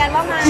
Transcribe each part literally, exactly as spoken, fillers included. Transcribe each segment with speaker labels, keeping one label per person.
Speaker 1: กันว่ามา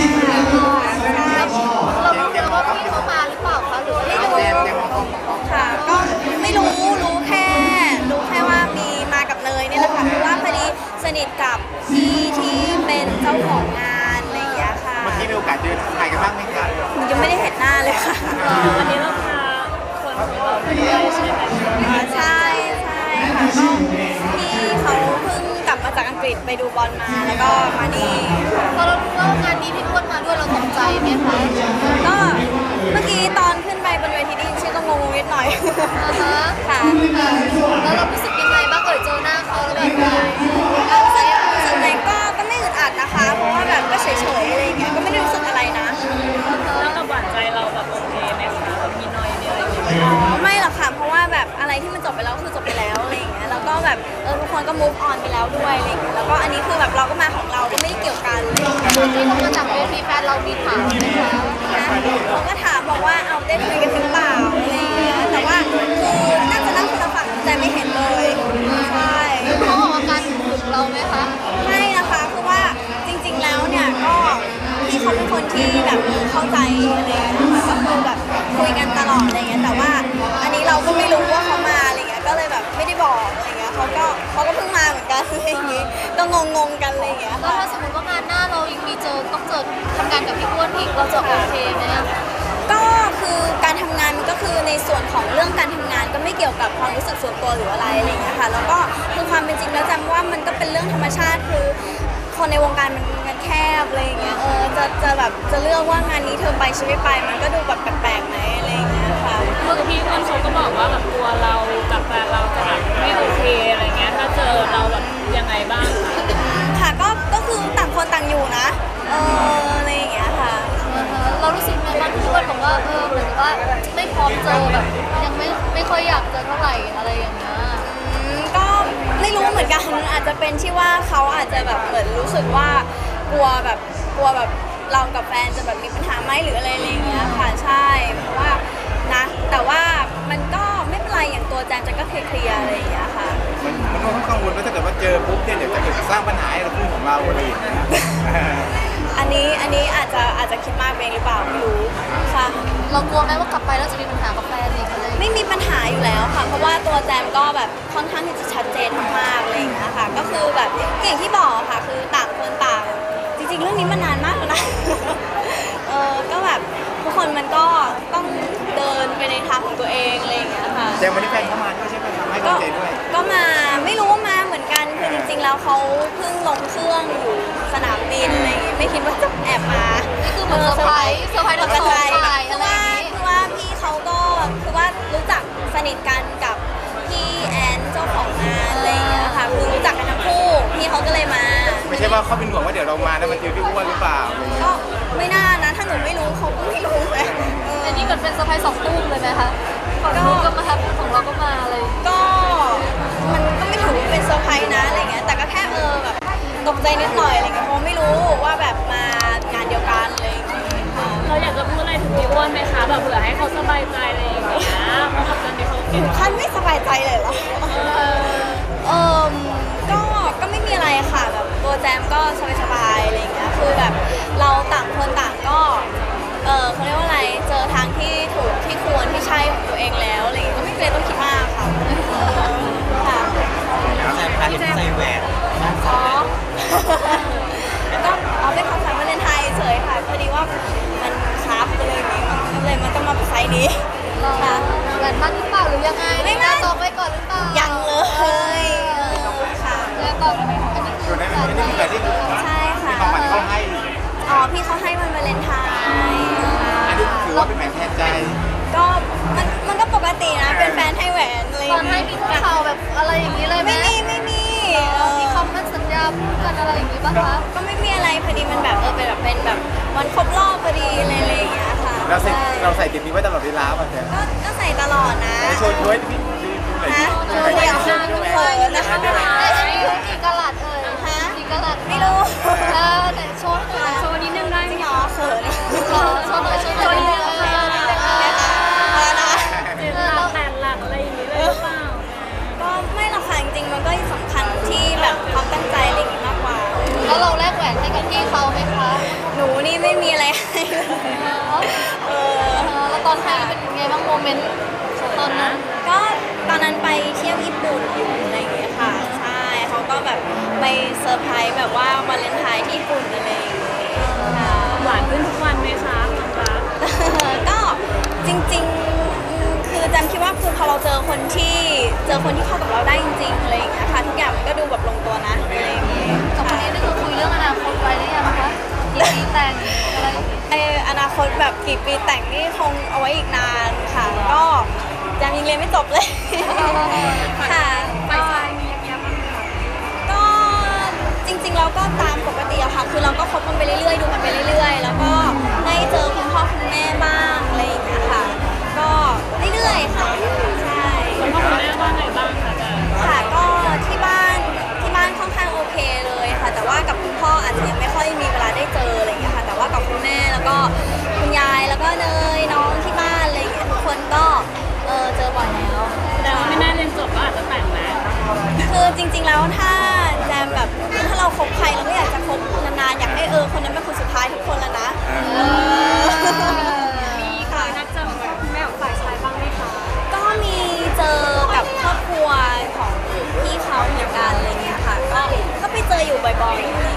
Speaker 2: เราไม่รู้ว่าพี่เขามาหรือเปล่าคะหรือไม่รู้
Speaker 1: ค่ะก็ไม่รู้รู้แค่รู้แค่ว่ามีมากับเนยนี่แหละค่ะเพราะว่าพอดีสนิทกับพี่ที่เป็นเจ้าของงานอะไรอย่างเงี้ยค่ะ
Speaker 3: เมื่อกี้มีโอกาสเจอถ่ายกันบ้างไหมคะ
Speaker 1: ยังไม่ได้เห็นหน้าเลยค่ะ
Speaker 2: วันนี้เราพาคนของเราไปด้วยใช่ไหม
Speaker 1: ใช่ใช่ค่ะก็พี่เขาเพิ่งกลับมาจากอังกฤษไปดูบอลมาแล้วก็มานี่
Speaker 2: พอเรารู้ว่างานนี้พี่อ้วนมาด้วยเราตกใจไหมคะ
Speaker 1: ก็เมื่อกี้ตอนขึ้นไปบนเวทีได้ยินชื่อก็งงนิดหน่อยค่ะ
Speaker 2: แล้วเรารู้สึกยังไงบ้างเอ่ยเจอหน้าเขาแล้วแบบ
Speaker 1: รู้สึกรู้สึกไหนก็ก็ไม่อึดอัดนะคะเพราะว่าแบบก็เฉยๆอะไรอย่างเงี้ยก็ไม่ได้รู้สึกอะไรนะ
Speaker 2: แล้วกับหวานใจเราแบบโอเคไหมคะมีน้อยมีอะไรอย่างเงี้ย
Speaker 1: ไม่หรอกค่ะเพราะว่าแบบอะไรที่มันจบไปแล้วคือจบไปแล้วอะไรอย่างเงี้ยแล้วก็แบบเออทุกคนก็ move on ไปแล้วด้วยอะไรอย่างเงี้ยแล้วก็อันนี้คือแบบเราก็มาของเราก็ไม่ได้เกี่ยวกัน
Speaker 2: ตอนที่เขามาจากเวทีแฟนเรามีถามไหมคะ
Speaker 1: เขาก็ถามบอกว่าเอาได้คุยกันหรือเปล่าอะไรอย่างเงี้ยแต่ว่าคือน่าจะนั่งคนละฝั่งแต่ไม่เห็นเลยใช่
Speaker 2: เขาออกอาการถึงเราไหมคะ
Speaker 1: ไม่นะคะคือว่าจริงๆแล้วเนี่ยก็พี่เขาเป็นคนที่แบบเข้าใจอะไรอย่างเงี้ยก็คือแบบคุยกันตลอดอะไรเงี้ยแต่ว่าอันนี้เราก็ไม่รู้ว่าเขามาอะไรเงี้ยก็เลยแบบไม่ได้บอกอะไรเงี้ยเขาก็เขาก็เพิ่งมาเหมือนกันอะไรอย่างงี้ก็งงๆกันอะไรเงี้ย
Speaker 2: แล้วถ้าสมมติว่างานหน้าเราอีกมีเจอต้องเจอทำงานกับพี่อ้วนอีกเราจะโอเคไหมอะ
Speaker 1: ก็คือการทำงานมันก็คือในส่วนของเรื่องการทำงานก็ไม่เกี่ยวกับความรู้สึกส่วนตัวหรืออะไรอะไรเงี้ยค่ะแล้วก็คือความเป็นจริงแล้วจำว่ามันก็เป็นเรื่องธรรมชาติคือคนในวงการมันมันแคบอะไรอย่างเงี้ยเออจะจะแบบจะเลือกว่างานนี้เธอไปฉันไม่ไปมันก็ดูแบบแปลกๆไหมอะไรอย่างเงี้ยค่ะ
Speaker 2: เมื่อพี่อ้วนเขาก็บอกว่าแบบตัวเรากับแฟนเราจะแบบไม่โอเคอะไรเงี้ยถ้าเจอเราแบบยังไงบ้าง
Speaker 1: ค่ะก็ก็คือต่างคนต่างอยู่นะเอออะไรอย่างเงี้ยค่ะ
Speaker 2: เรารู้สึกไงบ้างพี่อ้วนบอกว่าเออเหมือนว่าไม่พร้อมเจอแบบยังไม่ไม่ค่อยอยากเจอเท่าไหร่อะไรอย่างเงี้ย
Speaker 1: ก็ไม่รู้เหมือนกันอาจจะเป็นที่ว่าเขาอาจจะแบบเหมือนรู้สึกว่ากลัวแบบกลัวแบบเรากับแฟนจะแบบมีปัญหาไหมหรืออะไรอะไรอย่างเงี้ยค่ะใช่เพราะว่านะแต่ว่ามันก็ไม่เป็นไรอย่างตัวแจนจะก็เคลียร์อะไรอย่างเงี้ยค่ะ
Speaker 3: มันมันก็กังวลว่าถ้าเกิดว่าเจอปุ๊บเนี่ยเดี๋ยวจะเกิดสร้างปัญหาให้เราคู่ของเราอะไรอย่างเงี้ย
Speaker 1: อันนี้อันนี้อาจจะอาจจะคิดมากเองหรือเปล่าไม่รู้ค่ะ
Speaker 2: เรากลัวไหมว่ากลับไปแล้วจะมีปัญหากับแฟนอีกอะไร
Speaker 1: ไม่มีปัญหาอยู่แล้วค่ะเพราะว่าตัวแจมก็แบบค่อนข้างที่จะชัดเจนมากๆอะไรอย่างเงี้ยค่ะก็คือแบบอย่างที่บอกค่ะคือต่างคนต่างจริงๆเรื่องนี้มันนานมากแล้วนะเออก็แบบทุกคนมันก็ต้องเดินไปในทางของตัวเองอะไรอย่างเงี้ยค่ะ
Speaker 3: แจมวันนี้แฟนเข้ามาด้วยใช่ไหมให้กำลังใจด้วย
Speaker 1: ก็มาไม่รู้ว่ามาเหมือนกันคือจริงๆแล้วเขาเพิ่งลงเครื่องอยู่สนามบินอะไรอย่างเงี้ยไม่คิดว่าจะแอบมา
Speaker 2: นี่คือเหมือนเซอร์ไพรส์เซอร์ไพรส์เราเซอร์ไพรส์
Speaker 1: คือว่าคือว่าพี่เขาก็คือว่ารู้จักสนิทกันกับพี่แอนเจ้าของงานอะไรอย่างเงี้ยค่ะคือรู้จักกันทั้งคู่พี่เขาก็เลยมา
Speaker 3: ไม่ใช่ว่าเขาเป็นห่วงว่าเดี๋ยวเรามาแล้วมันเจอพี่อ้วนหรือเปล่า
Speaker 1: ก็ไม่น่านะถ้าหนูไม่รู้เขาก็ไม่รู้เลย
Speaker 2: อันนี้ก็เป็นเซอร์ไพรส์สองตู้เลยไหมคะของเราก็มาของเราก็มาเลย
Speaker 1: ก็มันก็ไม่ถือเป็นเซอร์ไพรส์นะอะไรเงี้ยแต่ก็แค่เออแบบตกใจนิดหน่อยอะไรเงี้ยเพราะไม่รู้ว่าแบบมางานเดียวกันอะไรอย่างเงี้ย
Speaker 2: เราอยากจะพูดอะไรถึงพี่อ้วนไหมคะแบบเผื่อให้เขาสบายใจอะไรอย่างเงี้ยเพราะแบบตอนนี้เขาเก่ง
Speaker 1: ขั้นไม่สบายใจเลยเหรอเออก็ก็ไม่มีอะไรค่ะแบบตัวแจมก็สบายๆอะไรอย่างเงี้ยคือแบบเราต่างคนต่างก็เออเขาเรียกว่าอะไรเจอทางที่ถูกที่ควรที่ใช่ของตัวเองแล้วอะไรอย่างเงี้ยก็ไม่เคยต้องคิดมากค่ะค่ะ
Speaker 3: แล้วแจมพาเห็นใส่แหวน
Speaker 1: อ๋อก็เอาเป็นของขวัญวาเลนไทน์เฉยค่ะพอดีว่ามันครับอะไรอย่างเงี้ยมันเลยมันต้องมาเป็นไซส์นี้
Speaker 2: ค่ะแหวนมั่นหรือเปล่าหรือยังไง
Speaker 1: ไม่มั่น
Speaker 2: ตอกไว้ก่อนหรือเปล่า
Speaker 1: ยังเลยค่ะ
Speaker 2: แล้วตอกอันนี้
Speaker 3: อยู่ในอันนี้คือแบบที่
Speaker 1: ใช่ค่ะ
Speaker 3: ของขวัญเขาให้
Speaker 1: อ๋อพี่เขาให้วันวาเลนไทน์
Speaker 3: อันนี้ถือว่าเป็นแหวนแทนใจ
Speaker 1: ก็มันมันก็ปกตินะเป็นแฟนให้แหวนอะไร
Speaker 2: ตอนให้มีข่าวแบบอะไรอย่างนี้เลยไหม
Speaker 1: ไม่มีไม่มี
Speaker 2: มีคำมั่นสัญญาพูดกันอะไรอย่างนี้ป่ะคะ
Speaker 1: ก็ไม่มีอะไรพอดีมันแบบเออเป็นแบบเป็นแบบวันครบรอบพอดีอะไรอย่างเงี้ยค่ะ
Speaker 3: เราใส่เราใส่ติดนี้ไว้ตลอดเวลาป่ะแจม
Speaker 1: ก็ก็ใส่ตลอดนะ
Speaker 3: โชว์ช่วยพี่
Speaker 1: ฮะโชว์เดี่ยวเขินนะคะ
Speaker 2: อันนี้คือกี่กะลัดเอ่ย
Speaker 1: ฮะ
Speaker 2: กี่กะลัด
Speaker 1: ไม่รู้
Speaker 2: เออแต่โชว์โชว์นิดนึงได้
Speaker 1: จริงเหรอเขิน
Speaker 2: โชว์โชว์หน่อยโชว์หน่อยนิดนึง
Speaker 1: อะไรนะ
Speaker 2: เจ็ดหลักแปดหลักอะไรอย่างนี้เลยหรือเปล่า
Speaker 1: ก็ไม่หรอกค่ะจริงๆมันก็สำคัญที่แบบความตั้งใจอะไรอย่างนี้มากกว่า
Speaker 2: แล้วเราแลกแหวนให้กับพี่เขาไหมคะ
Speaker 1: หนู
Speaker 2: อนให้เป็นไงบ้างโมเมนต์ตอนนั้น
Speaker 1: ก็ตอนนั้นไปเที่ยวญี่ปุ่นอยู่อะไรอย่างเงี้ยค่ะใช่เขาก็แบบไปเซอร์ไพรส์แบบว่าวาเลนไทน์ที่ญี่ปุ่นอะไรอย่างเงี้ยค่ะ
Speaker 4: หวานขึ้นทุกวันไหมคะน้องรัก
Speaker 1: ก็จริงๆอืมคือแจมคิดว่าคือพอเราเจอคนที่เจอคนที่เข้ากับเราได้จริงๆอะไรอย่างเงี้ยค่ะทุกอย่างมันก็ดูแบบลงตัวนะอะไรอย่างเงี้ย
Speaker 2: กับคนนี้นี่คือคุยเรื่องอนาคตไว้หรือยังคะกี่ปีแต่งอะไร
Speaker 1: ไออนาคตแบบกี่ปีแต่งนี่คงเอาไว้อีกนานค่ะ ก็แจมยังเรียนไม่จบเลย ค่ะ
Speaker 4: ไปชายมีเยอะมากค่ะ
Speaker 1: ก็จริงๆเราก็ตามปกติอะค่ะ คือเราก็คบกันไปเรื่อยๆ ดูกันไปเรื่อยๆ แล้วก็ได้เจอคุณพ่อคุณแม่บ้างอะไรอย่างเงี้ยค่ะ ก็เรื่อยๆ ค่ะ ใช่
Speaker 4: คุณพ่อคุณแม่ว่าไงบ้างคะจ๊ะ
Speaker 1: ค่ะ ก็ที่บ้านที่บ้านค่อนข้างโอเคเลยค่ะ แต่ว่ากับคุณพ่ออาจจะยังไม่ค่อยมีเวลาได้เจออะไรอย่างเงี้ยค่ะ แต่ว่ากับคุณแม่แล้วก็คุณยายแล้วก็เนยน้องที่บ้านอะไรอย่างเงี้ยทุกคนก็เออเจอบ่อยแล้ว
Speaker 4: แสดงว่าไม่น่าเรียนจบก็อาจจะแต่งแล้ว
Speaker 1: คือจริงๆ แล้วถ้าแจมแบบถ้าเราคบใครเราก็อยากจะคบนานๆ อยากให้เออคนนั้นเป็นคนสุดท้ายทุกคนแล้วนะเออ
Speaker 4: มีเคยนัดเจอคุณแม่ของฝ่ายชายบ้างไหมคะ
Speaker 1: ก็มีเจอกับครอบครัวของพี่เขาเหมือนกันอะไรเงี้ยค่ะ ก็ก็ไปเจออยู่บ่อยๆอะไร